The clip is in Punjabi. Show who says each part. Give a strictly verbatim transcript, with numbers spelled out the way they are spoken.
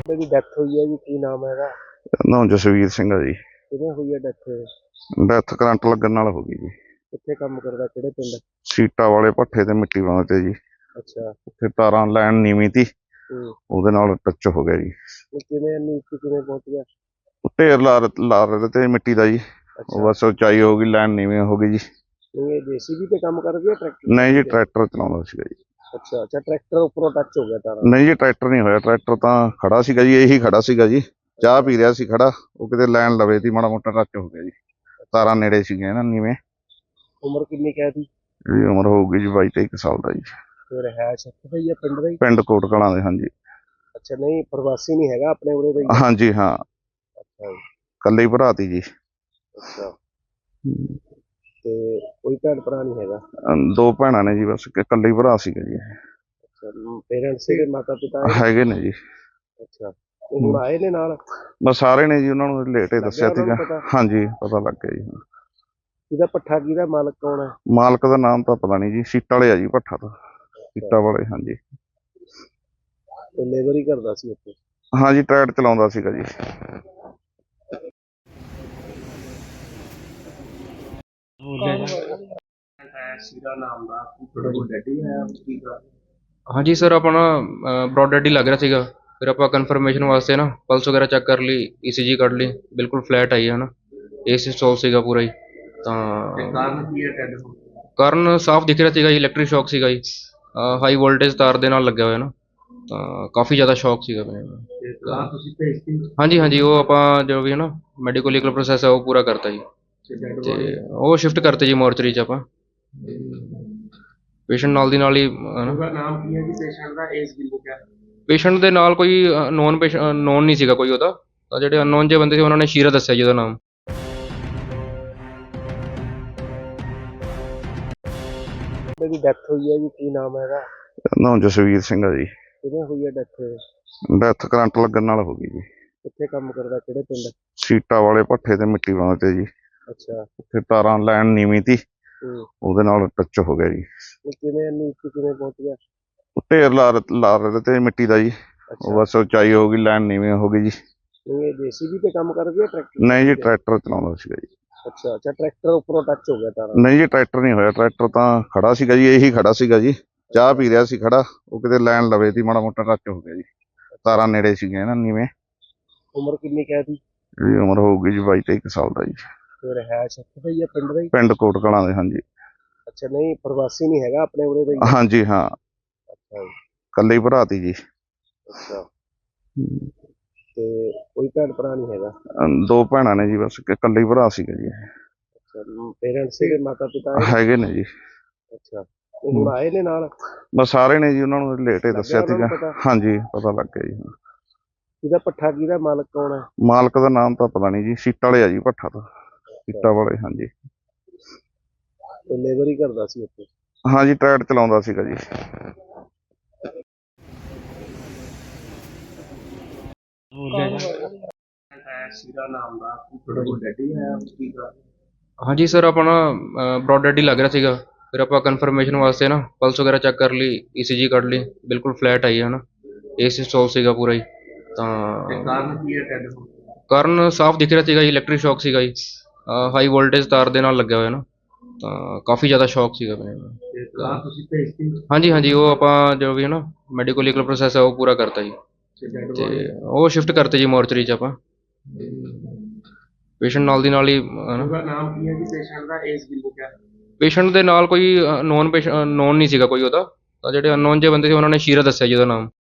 Speaker 1: ਦੀ ਡੈਥ ਹੋਈ ਹੈ ਜੀ, ਕੀ ਨਾਮ ਹੈਗਾ?
Speaker 2: ਨਾਮ ਜਸਵੀਰ ਸਿੰਘ ਆ ਜੀ।
Speaker 1: ਕਿਵੇਂ ਹੋਈ ਹੈ ਡੈਥ?
Speaker 2: ਡੈਥ ਕਰੰਟ ਲੱਗਣ ਨਾਲ ਹੋ ਗਈ ਜੀ।
Speaker 1: ਕਿੱਥੇ ਕੰਮ ਕਰਦਾ, ਕਿਹੜੇ ਪਿੰਡ?
Speaker 2: ਸੀਟਾਂ ਵਾਲੇ ਭੱਠੇ ਤੇ ਮਿੱਟੀ ਪਾਉਂਦੇ ਤੇ ਜੀ।
Speaker 1: ਅੱਛਾ।
Speaker 2: ਉੱਥੇ ਤਾਰਾਂ ਲੈਣ ਨੀਵੀਂ ਤੀ,
Speaker 1: ਹੂੰ।
Speaker 2: ਉਹਦੇ ਨਾਲ ਟੱਚ ਹੋ ਗਿਆ ਜੀ।
Speaker 1: ਇਹ ਕਿਵੇਂ ਇੰਨੀ ਉੱਚੀ ਕਿਵੇਂ ਪਹੁੰਚ ਗਿਆ?
Speaker 2: ਉਹ ਢੇਰ ਲਾ ਰ- ਲਾ ਰਹੇ ਤੇ ਮਿੱਟੀ ਦਾ ਜੀ। ਉਹ
Speaker 1: ਅੱਛਾ।
Speaker 2: ਬਸ ਉਚਾਈ ਹੋ ਗਈ, ਲੈਣ ਨੀਵੀਂ ਹੋ ਗਈ ਜੀ।
Speaker 1: ਨਹੀਂ, ਇਹ ਜੇਸੀਬੀ ਤੇ ਕੰਮ ਕਰਦੀ ਹੈ ਟਰੈਕਟਰ
Speaker 2: ਨਹੀਂ ਜੀ,
Speaker 1: ਤੇ?
Speaker 2: ਟਰੈਕਟਰ ਚਲਾਉਂਦਾ ਸੀਗਾ ਜੀ।
Speaker 1: ਅੱਛਾ ਅੱਛਾ, ਟਰੈਕਟਰ ਉੱਪਰੋਂ ਟੱਚ ਹੋ ਗਿਆ ਤਾਰਾਂ?
Speaker 2: ਨਹੀਂ ਜੀ, ਟਰੈਕਟਰ ਨਹੀਂ ਹੋਇਆ। ਟਰੈਕਟਰ ਤਾਂ ਖੜਾ ਸੀਗਾ ਜੀ, ਇਹੀ ਖੜਾ ਸੀਗਾ ਜੀ। ਚਾਹ ਪੀ ਰਿਹਾ ਸੀ ਖੜਾ, ਉਹ ਕਿਤੇ ਲੈਣ ਲਵੇ ਤੀ, ਮਾੜਾ ਮੋਟਾ ਟੱਚ ਹੋ ਗਿਆ ਜੀ। ਤਾਰਾਂ ਨੇੜੇ ਸੀਗੀਆਂ ਨਾ ਨੀਵੇਂ।
Speaker 1: ਉਮਰ ਕਿੰਨੀ ਕਹਿ ਦੀ?
Speaker 2: ਇਹਦੀ ਉਮਰ ਹੋਊਗੀ ਜੀ ਬਾਈ ਤੇਈ ਕੁ ਸਾਲ ਦਾ ਜੀ।
Speaker 1: ਫਿਰ ਹੈ ਸ਼ੱਕ ਦਾ ਹੀ ਹੈ, ਪਿੰਡ ਦਾ ਹੀ?
Speaker 2: ਪਿੰਡ ਕੋਟ ਕਲਾਂ ਦੇ, ਹਾਂਜੀ।
Speaker 1: ਅੱਛਾ, ਨਹੀਂ ਪ੍ਰਵਾਸੀ ਨਹੀਂ ਹੈਗਾ, ਆਪਣੇ ਉਰੇ ਦਾ ਹੀ ਹੈ?
Speaker 2: ਹਾਂਜੀ ਹਾਂ,
Speaker 1: ਅੱਛਾ ਜੀ।
Speaker 2: ਇਕੱਲੇ ਹੀ ਭਰਾ ਤੀ ਜੀ।
Speaker 1: ਅੱਛਾ, ਤੇ ਕੋਈ ਭੈਣ ਭਰਾ ਨਹੀਂ ਹੈਗਾ?
Speaker 2: ਅਮ ਦੋ ਭੈਣਾਂ ਨੇ ਜੀ, ਬਸ ਇੱਕ ਇਕੱਲੇ ਹੀ ਭਰਾ ਸੀਗਾ ਜੀ।
Speaker 1: ਅੱਛਾ, ਪੇਰੈਂਟਸ ਦੇ ਮਾਤਾ ਪਿਤਾ ਹੈ?
Speaker 2: ਹੈਗੇ ਨੇ ਜੀ।
Speaker 1: ਅੱਛਾ, ਤੇ ਹੁਣ ਆਏ ਨੇ ਨਾਲ?
Speaker 2: ਬਸ ਸਾਰੇ ਨੇ ਜੀ, ਉਹਨਾਂ ਨੂੰ ਲੇਟ ਹੀ ਦੱਸਿਆ
Speaker 1: ਲੱਗਿਆ ਉਹਨਾਂ
Speaker 2: ਸੀਗਾ।
Speaker 1: ਨੂੰ ਪਤਾ?
Speaker 2: ਹਾਂਜੀ, ਪਤਾ ਲੱਗ ਗਿਆ ਜੀ।
Speaker 1: ਇਹਦਾ ਪੱਠਾ ਕਿਹਦਾ ਮਾਲਕ ਕੌਣ ਹੈ?
Speaker 2: ਮਾਲਕ ਦਾ ਨਾਮ ਤਾਂ ਪਤਾ ਨਹੀਂ ਜੀ, ਸੀਟਾਂ ਵਾਲੇ ਆ ਜੀ ਭੱਠਾ ਤਾਂ। ਸੀਟਾਂ ਵਾਲੇ, ਹਾਂਜੀ।
Speaker 1: ਤੇ ਲੇਬਰ ਹੀ ਕਰਦਾ ਸੀ ਉੱਥੇ?
Speaker 2: ਹਾਂਜੀ, ਟਰੈਡ ਚਲਾਉਂਦਾ ਸੀਗਾ ਜੀ।
Speaker 1: ਸ਼ੀਰਾ ਨਾਮ ਦਾ ਤੁਹਾਡਾ ਕੋਈ ਡੈਡੀ ਹੈ? ਕੀ ਕਰ?
Speaker 3: ਹਾਂਜੀ ਸਰ, ਆਪਣਾ ਬ੍ਰੌਡ ਡੈਡ ਹੀ ਲੱਗ ਰਿਹਾ ਸੀਗਾ। ਫਿਰ ਆਪਾਂ ਕਨਫਰਮੇਸ਼ਨ ਵਾਸਤੇ ਨਾ ਪਲਸ ਵਗੈਰਾ ਚੈੱਕ ਕਰ ਲਈ, ਈਸੀਜੀ ਕੱਢ ਲਈ, ਬਿਲਕੁਲ ਫਲੈਟ ਆਈ ਹੈ ਨਾ। ਏਸੀ ਇੰਸਟਾਲ ਸੀਗਾ ਪੂਰਾ ਹੀ। ਤਾਂ
Speaker 1: ਕਾਰਨ ਕੀ ਹੈ ਡੈਡ ਹੋਣ ਦਾ?
Speaker 3: ਕਾਰਨ ਸਾਫ਼ ਦਿਖ ਰਿਹਾ ਸੀਗਾ ਜੀ, ਇਲੈਕਟ੍ਰਿਕ ਸ਼ੌਕ ਸੀਗਾ ਜੀ। ਹਾਈ ਵੋਲਟੇਜ ਤਾਰ ਦੇ ਨਾਲ ਲੱਗਿਆ ਹੋਇਆ ਨਾ, ਤਾਂ ਕਾਫੀ ਜ਼ਿਆਦਾ ਸ਼ੌਕ ਸੀਗਾ ਮੈਨੂੰ।
Speaker 1: ਤੇ ਕਾਰ ਤੁਸੀਂ ਭੇਜਤੀ?
Speaker 3: ਹਾਂਜੀ ਹਾਂਜੀ, ਉਹ ਆਪਾਂ ਜੋ ਵੀ ਹੈ ਨਾ ਮੈਡੀਕਲ ਲੀਗਲ ਪ੍ਰੋਸੈਸ ਹੈ ਉਹ ਪੂਰਾ ਕਰਤਾ ਜੀ। ਤੇ ਉਹ ਸ਼ਿਫਟ ਕਰਤੇ ਜੀ ਮੋਰਚਰੀ 'ਚ ਆਪਾਂ। ਪੇਸ਼ੈਂਟ ਨਾਲ ਦੀ ਨਾਲ ਹੀ
Speaker 1: ਉਹਦਾ ਨਾਮ ਕੀ ਹੈ ਜੀ ਪੇਸ਼ੈਂਟ ਦਾ, ਏਜ ਕਿੰਨੀ ਹੈ?
Speaker 3: ਪੇਸ਼ੈਂਟ ਦੇ ਨਾਲ ਕੋਈ ਨੋਨ ਪੇਸ਼ੈਂਟ ਨੋਨ ਨਹੀਂ ਸੀਗਾ ਕੋਈ ਉਹਦਾ, ਤਾਂ ਜਿਹੜੇ ਅਨਨੋਨ ਜਿਹੇ ਬੰਦੇ ਸੀ ਉਹਨਾਂ ਨੇ ਸ਼ੀਰਾ ਦੱਸਿਆ ਜੀ ਉਹਦਾ ਨਾਮ।
Speaker 1: ਦੀ ਡੈਥ ਹੋਈ ਹੈ ਜੀ, ਕੀ ਨਾਮ ਹੈਗਾ?
Speaker 2: ਨਾਮ ਜਸਵੀਰ ਸਿੰਘ ਆ ਜੀ।
Speaker 1: ਕਿਵੇਂ ਹੋਈ ਹੈ ਡੈਥ?
Speaker 2: ਡੈਥ ਕਰੰਟ ਲੱਗਣ ਨਾਲ ਹੋ ਗਈ ਜੀ।
Speaker 1: ਕਿੱਥੇ ਕੰਮ ਕਰਦਾ, ਕਿਹੜੇ ਪਿੰਡ?
Speaker 2: ਸੀਟਾਂ ਵਾਲੇ ਭੱਠੇ ਤੇ ਮਿੱਟੀ ਪਾਉਂਦੇ ਤੇ ਜੀ।
Speaker 1: ਅੱਛਾ।
Speaker 2: ਉੱਥੇ ਤਾਰਾਂ ਲੈਣ ਨੀਵੀਂ ਤੀ,
Speaker 1: ਹੂੰ।
Speaker 2: ਉਹਦੇ ਨਾਲ ਟੱਚ ਹੋ ਗਿਆ ਜੀ।
Speaker 1: ਇਹ ਕਿਵੇਂ ਇੰਨੀ ਉੱਚੀ ਕਿਵੇਂ ਪਹੁੰਚ ਗਿਆ?
Speaker 2: ਉਹ ਢੇਰ ਲਾ ਰ- ਲਾ ਰਹੇ ਤੇ ਮਿੱਟੀ ਦਾ ਜੀ। ਉਹ
Speaker 1: ਅੱਛਾ।
Speaker 2: ਬਸ ਉਚਾਈ ਹੋ ਗਈ, ਲੈਣ ਨੀਵੀਂ ਹੋ ਗਈ ਜੀ।
Speaker 1: ਨਹੀਂ, ਇਹ ਜੇਸੀਬੀ ਤੇ ਕੰਮ ਕਰਦੀ ਹੈ ਟਰੈਕਟਰ?
Speaker 2: ਨਹੀਂ ਜੀ, ਟਰੈਕਟਰ ਚਲਾਉਂਦਾ ਸੀਗਾ ਜੀ।
Speaker 1: ਅੱਛਾ ਅੱਛਾ, ਟਰੈਕਟਰ ਉੱਪਰੋਂ ਟੱਚ ਹੋ ਗਿਆ ਤਾਰਾਂ?
Speaker 2: ਨਹੀਂ ਜੀ, ਟਰੈਕਟਰ ਨਹੀਂ ਹੋਇਆ। ਟਰੈਕਟਰ ਤਾਂ ਖੜਾ ਸੀਗਾ ਜੀ, ਇਹੀ ਖੜਾ ਸੀਗਾ ਜੀ। ਚਾਹ ਪੀ ਰਿਹਾ ਸੀ ਖੜਾ, ਉਹ ਕਿਤੇ ਲੈਣ ਲਵੇ ਤੀ, ਮਾੜਾ ਮੋਟਾ ਟੱਚ ਹੋ ਗਿਆ ਜੀ। ਤਾਰਾਂ ਨੇੜੇ ਸੀਗੀਆਂ ਨਾ ਨੀਵੇਂ।
Speaker 1: ਉਮਰ ਕਿੰਨੀ ਕਹਿ ਦੀ?
Speaker 2: ਇਹਦੀ ਉਮਰ ਹੋਊਗੀ ਜੀ ਬਾਈ ਤੇਈ ਕੁ ਸਾਲ ਦਾ ਜੀ।
Speaker 1: ਫਿਰ ਹੈ ਸ਼ੱਕ ਦਾ ਹੀ ਹੈ, ਪਿੰਡ ਦਾ ਹੀ?
Speaker 2: ਪਿੰਡ ਕੋਟ ਕਲਾਂ ਦੇ, ਹਾਂਜੀ।
Speaker 1: ਅੱਛਾ, ਨਹੀਂ ਪ੍ਰਵਾਸੀ ਨਹੀਂ ਹੈਗਾ, ਆਪਣੇ ਉਰੇ ਦਾ ਹੀ ਹੈ?
Speaker 2: ਹਾਂਜੀ ਹਾਂ,
Speaker 1: ਅੱਛਾ ਜੀ।
Speaker 2: ਇਕੱਲੇ ਹੀ ਭਰਾ ਤੀ ਜੀ।
Speaker 1: ਅੱਛਾ, ਤੇ ਕੋਈ ਭੈਣ ਭਰਾ ਨਹੀਂ ਹੈਗਾ?
Speaker 2: ਅਮ ਦੋ ਭੈਣਾਂ ਨੇ ਜੀ, ਬਸ ਇੱਕ ਇਕੱਲੇ ਹੀ ਭਰਾ ਸੀਗਾ ਜੀ।
Speaker 1: ਅੱਛਾ, ਪੇਰੈਂਟਸ ਦੇ ਮਾਤਾ ਪਿਤਾ ਹੈ?
Speaker 2: ਹੈਗੇ ਨੇ ਜੀ।
Speaker 1: ਅੱਛਾ, ਤੇ ਹੁਣ ਆਏ ਨੇ ਨਾਲ?
Speaker 2: ਬਸ ਸਾਰੇ ਨੇ ਜੀ, ਉਹਨਾਂ ਨੂੰ ਲੇਟ ਹੀ ਦੱਸਿਆ
Speaker 1: ਲੱਗਿਆ ਉਹਨਾਂ
Speaker 2: ਸੀਗਾ।
Speaker 1: ਨੂੰ ਪਤਾ?
Speaker 2: ਹਾਂਜੀ, ਪਤਾ ਲੱਗ ਗਿਆ ਜੀ।
Speaker 1: ਇਹਦਾ ਪੱਠਾ ਕਿਹਦਾ ਮਾਲਕ ਕੌਣ ਹੈ?
Speaker 2: ਮਾਲਕ ਦਾ ਨਾਮ ਤਾਂ ਪਤਾ ਨਹੀਂ ਜੀ, ਸੀਟਾਂ ਵਾਲੇ ਆ ਜੀ ਭੱਠਾ ਤਾਂ। ਸੀਟਾਂ ਵਾਲੇ, ਹਾਂਜੀ।
Speaker 1: ਤੇ ਲੇਬਰ ਹੀ ਕਰਦਾ ਸੀ ਉੱਥੇ?
Speaker 2: ਹਾਂਜੀ, ਟਰੈਡ ਚਲਾਉਂਦਾ ਸੀਗਾ ਜੀ।
Speaker 1: ਸ਼ੀਰਾ ਨਾਮ ਦਾ ਤੁਹਾਡਾ ਕੋਈ ਡੈਡੀ ਹੈ? ਕੀ ਕਰ?
Speaker 3: ਹਾਂਜੀ ਸਰ, ਆਪਣਾ ਬ੍ਰੌਡ ਡੈਡ ਹੀ ਲੱਗ ਰਿਹਾ ਸੀਗਾ। ਫਿਰ ਆਪਾਂ ਕਨਫਰਮੇਸ਼ਨ ਵਾਸਤੇ ਨਾ ਪਲਸ ਵਗੈਰਾ ਚੈੱਕ ਕਰ ਲਈ, ਈਸੀਜੀ ਕੱਢ ਲਈ, ਬਿਲਕੁਲ ਫਲੈਟ ਆਈ ਹੈ ਨਾ। ਏਸੀ ਇੰਸਟਾਲ ਸੀਗਾ ਪੂਰਾ ਹੀ। ਤਾਂ
Speaker 1: ਕਾਰਨ ਕੀ ਹੈ ਡੈਡ ਹੋਣ ਦਾ?
Speaker 3: ਕਾਰਨ ਸਾਫ਼ ਦਿਖ ਰਿਹਾ ਸੀਗਾ ਜੀ, ਇਲੈਕਟ੍ਰਿਕ ਸ਼ੌਕ ਸੀਗਾ ਜੀ। ਹਾਈ ਵੋਲਟੇਜ ਤਾਰ ਦੇ ਨਾਲ ਲੱਗਿਆ ਹੋਇਆ ਨਾ, ਤਾਂ ਕਾਫੀ ਜ਼ਿਆਦਾ ਸ਼ੌਕ ਸੀਗਾ ਮੈਨੂੰ।
Speaker 1: ਤੇ ਕਾਰ ਤੁਸੀਂ ਭੇਜਤੀ?
Speaker 3: ਹਾਂਜੀ ਹਾਂਜੀ, ਉਹ ਆਪਾਂ ਜੋ ਵੀ ਹੈ ਨਾ ਮੈਡੀਕਲ ਲੀਗਲ ਪ੍ਰੋਸੈਸ ਹੈ ਉਹ ਪੂਰਾ ਕਰਤਾ ਜੀ। ਤੇ ਉਹ ਸ਼ਿਫਟ ਕਰਤੇ ਜੀ ਮੋਰਚਰੀ 'ਚ ਆਪਾਂ। ਪੇਸ਼ੈਂਟ ਨਾਲ ਦੀ ਨਾਲ ਹੀ
Speaker 1: ਉਹਦਾ ਨਾਮ ਕੀ ਹੈ ਜੀ ਪੇਸ਼ੈਂਟ ਦਾ, ਏਜ ਕਿੰਨੀ ਹੈ?
Speaker 3: ਪੇਸ਼ੈਂਟ ਦੇ ਨਾਲ ਕੋਈ ਨੋਨ ਪੇਸ਼ੈਂਟ ਨੋਨ ਨਹੀਂ ਸੀਗਾ ਕੋਈ ਉਹਦਾ, ਤਾਂ ਜਿਹੜੇ ਅਨਨੋਨ ਜਿਹੇ ਬੰਦੇ ਸੀ ਉਹਨਾਂ ਨੇ ਸ਼ੀਰਾ ਦੱਸਿਆ ਜੀ ਉਹਦਾ ਨਾਮ।